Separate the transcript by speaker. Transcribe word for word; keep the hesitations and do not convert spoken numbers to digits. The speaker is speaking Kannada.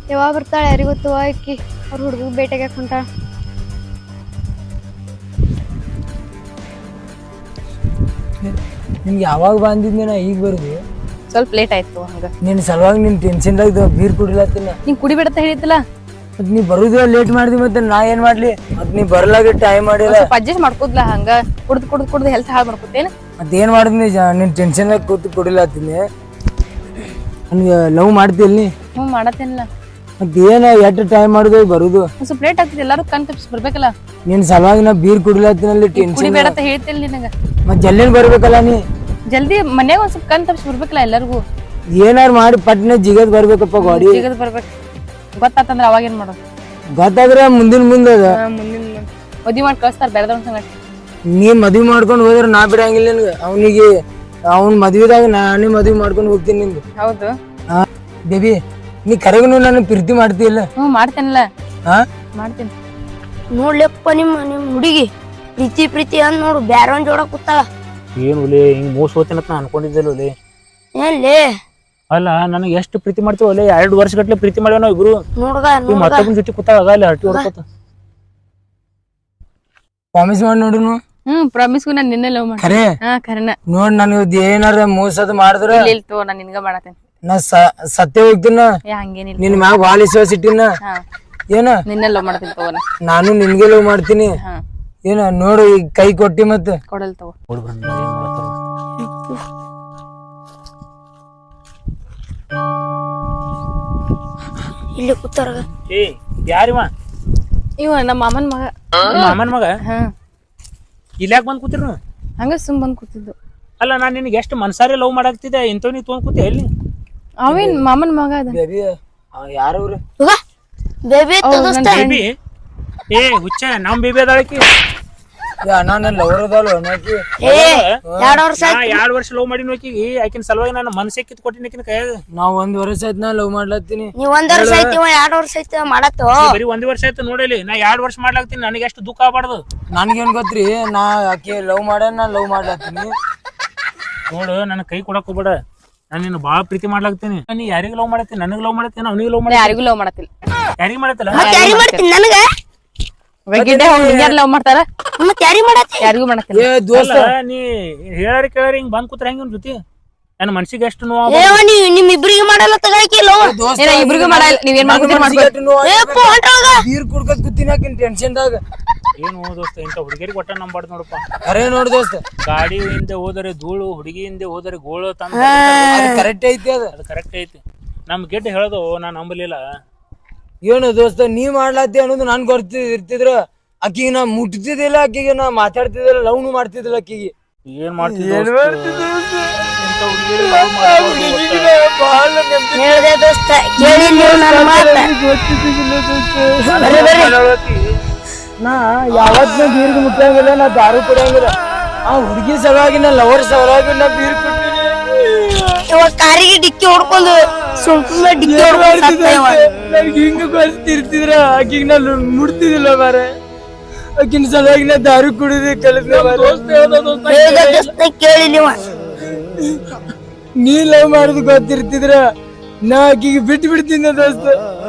Speaker 1: ಯಾವಾಗ ಬರ್ತಾಳೆ ಯಾರಿಗೂ ಗೊತ್ತು ಆಕಿ ಅವ್ರ ಹುಡುಗ ಬೇಟೆಗೆ ಹೊಂಟಾಳ.
Speaker 2: ನಿಮ್ಗೆ ಯಾವಾಗ ಬಂದಿದ್ದೆ ನಾ ಈಗ ಬರುದು
Speaker 3: ಸ್ವಲ್ಪ ಲೇಟ್ ಆಯ್ತು ಹಂಗ.
Speaker 2: ನಿನ್ ಸಲುವಾಗಿ ನಿನ್ ಟೆನ್ಷನ್ದಾಗ ಬೀರ್ ಕುಡಿಲತ್ತಿನ.
Speaker 3: ನೀನ್ ಕುಡಿಬೇಡತ್ತ ಹೇಳಿದ್ದಲ್ಲ.
Speaker 2: ಮತ್ ನೀ ಬರುದ ಲೇಟ್ ಮಾಡ್ದಿ ಮತ್ತೆ ನಾ ಏನ್ ಮಾಡ್ಲಿ? ಮತ್ ನೀ ಬರ್ಲಾಗ ಟೈಮ್ ಮಾಡಿಲ್ಲ.
Speaker 3: ಅಡ್ಜಸ್ಟ್ ಮಾಡ್ಕೋದ್ಲ ಹಂಗ ಕುಡ್ದು ಕುಡ್ದು ಕುಡ್ದು ಹೆಲ್ತ್ ಹಾಳು ಮಾಡ್ಕೋತೇನ.
Speaker 2: ಮತ್ ಏನ್ ಮಾಡಿದ್ನಿ ನಿನ್ ಟೆನ್ಷನ್ದಾಗ ಕೂತು ಕುಡಿಲತ್ತೀನಿ. ನನ್ಗೆ ಲವ್ ಮಾಡ್ತಿಲ್ ನೀ?
Speaker 3: ಹ್ಞೂ ಮಾಡತ್ತೇನಿಲ್ಲ.
Speaker 2: ಮತ್ ಏನ ಎಷ್ಟ್ ಟೈಮ್ ಮಾಡುದು ಬರುದು?
Speaker 3: ಸ್ವಲ್ಪ ಲೇಟ್ ಆಗ್ತದೆ, ಎಲ್ಲಾರು ಕಣ್ ತಪ್ಪಿಸಿ ಬರ್ಬೇಕಲ್ಲ.
Speaker 2: ನಿನ್ ಸಲುವಾಗಿ ನಾ ಬೀರ್ ಕುಡಿಲತ್ತಿನಲ್ಲಿ ಟೆನ್ಷನ್.
Speaker 3: ಕುಡಿಬೇಡತ್ತ ಹೇಳ್ತಿಲ್ಲ ನಿನಗ.
Speaker 2: ಮತ್ ಜಲ್ದಿನ ಬರ್ಬೇಕಲ್ಲ ನೀ.
Speaker 3: ಜಲ್ದಿ ಮನ್ಯಾಗ ಒಂದ್ ಸ್ವಲ್ಪ ಕಣ್ ತಪ್ಪಿಸಿ ಬರ್ಬೇಕಲ್ಲ ಎಲ್ಲರಿಗೂ.
Speaker 2: ಏನಾರು ಮಾಡಿ ಪಟ್ನೆ ಜಿಗದ್ ಬರ್ಬೇಕಪ್ಪ ಗಾಡಿ.
Speaker 3: ಜಿಗದ್ ಬರ್ಬೇಕು ಗೊತ್ತಾತಂದ್ರ ಅವಾಗ ಏನ್ ಮಾಡೋದು?
Speaker 2: ಗೊತ್ತಾದ್ರೆ ಮುಂದಿನ ಮುಂದೆ ಅದ.
Speaker 3: ಮುಂದಿನ ಮದ್ವಿ ಮಾಡಿ ಕಳಿಸ್ತಾರ ಬೇರೆದವ್ರ ಸಂಗಟ.
Speaker 2: ನೀ ಮದ್ವಿ ಮಾಡ್ಕೊಂಡ್ ಹೋದ್ರೆ ನಾ ಬಿಡಂಗಿಲ್ಲ ನಿನ್ಗೆ. ಅವನಿಗೆ ಅವ್ನ ಮದ್ವಿದಾಗ ನಾನೇ ಮದ್ವಿ ಮಾಡ್ಕೊಂಡು ಹೋಗ್ತೀನಿ ನಿನ್ಗೆ.
Speaker 3: ಹೌದು
Speaker 2: ಹಾ ಬೇಬಿ, ನೀ ಕರೆಗೂ ನನ್ನ ಪ್ರೀತಿ ಮಾಡ್ತೀಯಲ್ಲ?
Speaker 3: ಹ್ಞೂ ಮಾಡ್ತೇನಲ್ಲ.
Speaker 2: ಹಾ
Speaker 3: ಮಾಡ್ತೀನಿ.
Speaker 4: ನೋಡ್ಲೆಪ್ಪ ನಿಮ್ಮ ನಿಮ್ ಹುಡುಗಿ ಪ್ರೀತಿ ಪ್ರೀತಿ ಅಂದ್ ನೋಡು ಬ್ಯಾರೊಂದ್ ಜೋಡ ಕೂತಾಳ.
Speaker 5: ಏನು ಒಲೆ ಹಿಂಗ್ ಮೋಸ ಹೋಗ್ತೇನತ್ ನಾ ಅನ್ಕೊಂಡಿದ್ದಿಲ್ಲ ಒಲೆ.
Speaker 4: ಏನ್ಲೇ
Speaker 5: ಅಲ್ಲ ನನಗೆ ಎಷ್ಟು ಪ್ರೀತಿ ಮಾಡ್ತೀವಿ ಒಲೆ, ಎರಡು ವರ್ಷ ಗಟ್ಲೆ ಪ್ರೀತಿ ಮಾಡ್ಯಾವ ನಾವ್ ಇಬ್ರು.
Speaker 4: ನೋಡ್ಗ
Speaker 5: ಈ ಮತ್ತೊಬ್ಬನ ಜೊತೆ ಕೂತಾಗ ಅಲ್ಲಿ ಹರಟಿ ಹೊಡ್ಕೋತ
Speaker 2: ಪ್ರಾಮಿಸ್ ಮಾಡಿ ನೋಡುನು.
Speaker 3: ಹ್ಮ್ ಪ್ರಾಮಿಸ್ಗೂ ನಾನು ನಿನ್ನೆ ಲವ್ ಮಾಡಿ.
Speaker 2: ಖರೆ
Speaker 3: ಹಾ ಖರೇನ.
Speaker 2: ನೋಡ್ ನನಗೆ ಏನಾರ ಮೋಸದ ಮಾಡಿದ್ರ
Speaker 3: ಇಲ್ಲ ತೋ ನಾನು ನಿನ್ಗ ಮಾಡತ್ತೇನೆ.
Speaker 2: ನಾ ಸತ್ಯ ಹೋಗ್ತೀನ.
Speaker 3: ಏ ಹಂಗೇನಿಲ್ಲ.
Speaker 2: ನಿನ್ ಮ್ಯಾಗ ವಾಲಿಸುವ ಸಿಟ್ಟಿನ
Speaker 3: ಹಾ
Speaker 2: ಏನ
Speaker 3: ನಿನ್ನೆ ಲವ್ ಮಾಡತ್ತೀನಿ ತಗೋ.
Speaker 2: ನಾನು ನಿನ್ಗೆ ಲವ್ ಮಾಡ್ತೀನಿ.
Speaker 3: ಹಾ
Speaker 2: ಏನ ನೋಡು ಈಗ ಕೈ ಕೊಟ್ಟಿ ಮತ್ತೆ
Speaker 3: ಕೊಡಲ್ ತಗೋ.
Speaker 4: ಇಲ್ಲಿ ಕೂತಾರ.
Speaker 5: ಏ ಯಾರಿವ?
Speaker 3: ಇವ ನಮ್ಮ ಮಾಮನ್ ಮಗ.
Speaker 5: ಮಾಮನ್ ಮಗ?
Speaker 3: ಹಾ
Speaker 5: ಇಲ್ಯಾಕ್ ಬಂದ್ ಕೂತಿರ್?
Speaker 3: ಹಂಗ ಸುಮ್ ಬಂದ್ ಕೂತಿದ್ದು.
Speaker 5: ಅಲ್ಲ ನಾನ್ ನಿನಗೆ ಎಷ್ಟು ಮನ್ಸಾರಿ ಲವ್ ಮಾಡಾಕ್ತಿದ್ದೆ, ಇಂಥವ್ ನೀ ತೊಗೊಂಡ್ ಕೂತಿ ಎಲ್ಲಿ?
Speaker 3: ಅವೇನ್ ಮಾಮನ್ ಮಗ ಅದ.
Speaker 2: ಬೇಬಿ ಯಾರವ್ರು?
Speaker 4: ಬೇಬಿ
Speaker 5: ಬೇಬಿ ಏ ಹುಚ್ಚ ನಮ್ ಬೇಬಿ ಅದಾಳಕಿ.
Speaker 2: ಅಣ್ಣ ನನ್ ಲವರ್ ಅದಲ್ಲ ಅನ್ನಕಿ.
Speaker 4: ಎರಡ್ ವರ್ಷ
Speaker 5: ನಾ ಎರಡ್ ವರ್ಷ ಲವ್ ಮಾಡಿ ನೋಕಿಗಿ ಆಕಿನ ಸಲುವಾಗಿ ನಾನು ಮನಸ್ಸೇ ಕಿತ್ ಕೊಟ್ಟಿನಿ ಆಕಿನ ಕೈಯಾಗ.
Speaker 2: ನಾವ್ ಒಂದ್ ವರ್ಷ ಆಯ್ತು ನಾ ಲವ್ ಮಾಡ್ಲತ್ತೀನಿ.
Speaker 4: ನೀವ್ ಒಂದ್ ವರ್ಷ ಐತಿ ಎರಡ್ ವರ್ಷ ಐತಿ ಮಾಡತ್ತು.
Speaker 5: ಬರೀ ಒಂದ್ ವರ್ಷ ಆಯ್ತು ನೋಡಲಿ, ನಾ ಎರಡ್ ವರ್ಷ ಮಾಡ್ಲಾಕ್ತೀನಿ, ನನಗೆ ಎಷ್ಟು ದುಃಖ ಆಗ್ಬಾರ್ದು.
Speaker 2: ನನ್ಗೇನ್ ಗೊತ್ತ್ರಿ, ನಾ ಆಕೆ ಲವ್ ಮಾಡ್ಯಾನ ನಾ ಲವ್ ಮಾಡ್ಲತ್ತೀನಿ.
Speaker 5: ನೋಡು ನನ್ನ ಕೈ ಕೊಡಕ್ ಹೋಗ್ಬೇಡ, ನಾನು ನಿನ್ನ ಬಾಳ ಪ್ರೀತಿ ಮಾಡ್ಲಾಕ್ತೀನಿ. ನೀ ಯಾರಿಗ ಲವ್ ಮಾಡತ್ತೀನಿ? ನನಗ್ ಲವ್ ಮಾಡತ್ತೀನಿ, ಅವ್ನಿಗೆ ಲವ್ ಮಾಡಿ
Speaker 3: ಯಾರಿಗೂ ಲವ್ ಮಾಡತ್ತಿಲ್ಲ.
Speaker 5: ಯಾರಿಗ ಮಾಡತ್ತಲ್ಲ?
Speaker 4: ಯಾರಿ ಮಾಡ್ತೀನಿ ನನಗ?
Speaker 3: ಲವ್ ಮಾಡ್ತಾರ
Speaker 4: ಮತ್ ಯಾರಿ ಮಾಡತ್ತಿ?
Speaker 3: ಯಾರಿಗೂ ಮಾಡತ್ತಿಲ್ಲ.
Speaker 2: ಏ ದೋಸ್ತ,
Speaker 5: ನೀ ಹೇಳಾರಿ ಕೇಳಾರಿ ಹಿಂಗ್ ಬಂದ್ ಕೂತ್ರ ಹೆಂಗ್ ಜೊತೆ ನನ್ನ ಮನ್ಸಿಗೆ ಎಷ್ಟು ನೋವು.
Speaker 4: ಏವ ನೀವ್ ನಿಮ್ ಇಬ್ರಿಗೆ ಮಾಡಲ್ಲ ತಗೊಳಕಿಲ್ಲ.
Speaker 3: ಏನ ಇಬ್ರಿಗೂ ಮಾಡಲ್ಲ, ನೀವೇನ್ ಮಾಡ್ಕೊತೀರಿ ಮಾಡ್ಕೊಳ್ಳಿ.
Speaker 2: ಬೀರ್ ಕುಡ್ಕತ್ ಕೂತೀನಿ ಆಕಿನ್ ಟೆನ್ಷನ್ದಾಗ.
Speaker 5: ಏನು ದೋಸ್ತ, ಇಂಥ ಹುಡುಗಿಯರಿಗೆ ಒಟ್ಟ ನಂಬಾರ್ದು ನೋಡಪ್ಪ.
Speaker 2: ಅರೇ ನೋಡ್ ದೋಸ್ತ,
Speaker 5: ಗಾಡಿ ಹಿಂದೆ ಹೋದರೆ ಧೂಳು, ಹುಡುಗಿ ಹಿಂದೆ ಹೋದರೆ ಗೋಳು ತಂದ.
Speaker 2: ಕರೆಕ್ಟ್ ಐತಿ ಅದ.
Speaker 5: ಅದು ಕರೆಕ್ಟ್ ಐತಿ. ನಮ್ ಗೆಡ್ಡೆ ಹೇಳೋದು ನಾನ್ ನಂಬಲಿಲ್ಲ.
Speaker 2: ಏನು ದೋಸ್ತ, ನೀ ಮಾಡ್ಲಾತಿ ಅನ್ನೋದು ನನ್ ಗೊತ್ತಿ ಇರ್ತಿದ್ರ ಆಕಿಗೆ ನಾ ಮುಟ್ತಿದ್ದಿಲ್ಲ, ಆಕಿಗೆ ನಾ ಮಾತಾಡ್ತಿದ್ದಿಲ್ಲ, ಲವ್ನು ಮಾಡ್ತಿದ್ದಿಲ್ಲ ಆಕಿಗೆ.
Speaker 5: ಏನ್ ಮಾಡ್ತಿದ್ದೆ
Speaker 4: ಹೇಳ್ದೆ ದೋಸ್ತ, ಕೇಳಿ ನೀವು ನನ್ನ ಮಾತ.
Speaker 2: ನಾ ಯಾವತ್ ನಾ ಬೀರ್ಗೆ ಮುಟ್ಟಂಗಿಲ್ಲ, ನಾ ದಾರು ಕುಡಿಯಂಗಿಲ್ಲ. ಆ ಹುಡುಗಿ ಸಲುವಾಗಿ ನಾ ಲವರ್ ಸಲುವಾಗಿ ನಾ ಬೀರ್ ಕುಡ್ತೀನಿ.
Speaker 4: ಇವಾಗ ಕಾರಿಗೆ ಡಿಕ್ಕಿ ಹೊಡ್ಕೊಂಡು ಸುಮ್ನೆ ಡಿಕ್ಕಿ ಹೊಡ್ಕೊಂಡು ಸತ್ತ ಇವ.
Speaker 2: ನನ್ಗೆ ಹಿಂಗ ಬರ್ತಿರ್ತಿದ್ರ ಆಕಿಗೆ ನಾ ಮುಡ್ತಿದ್ದಿಲ್ಲ ಮಾರ. ಆಕಿನ ಸಲುವಾಗಿ ನಾ ದಾರು ಕುಡಿದು ಕಲಿತ.
Speaker 4: ಹೇಳ್ದೆ ದೋಸ್ತ, ಕೇಳಿ ನೀವ.
Speaker 2: ನೀ ಲವ್ ಮಾಡುದು ಗೊತ್ತಿರ್ತಿದ್ರ ನಾ ಆಕಿಗೆ ಬಿಟ್ಟು ಬಿಡ್ತೀನಿ ದೋಸ್ತ.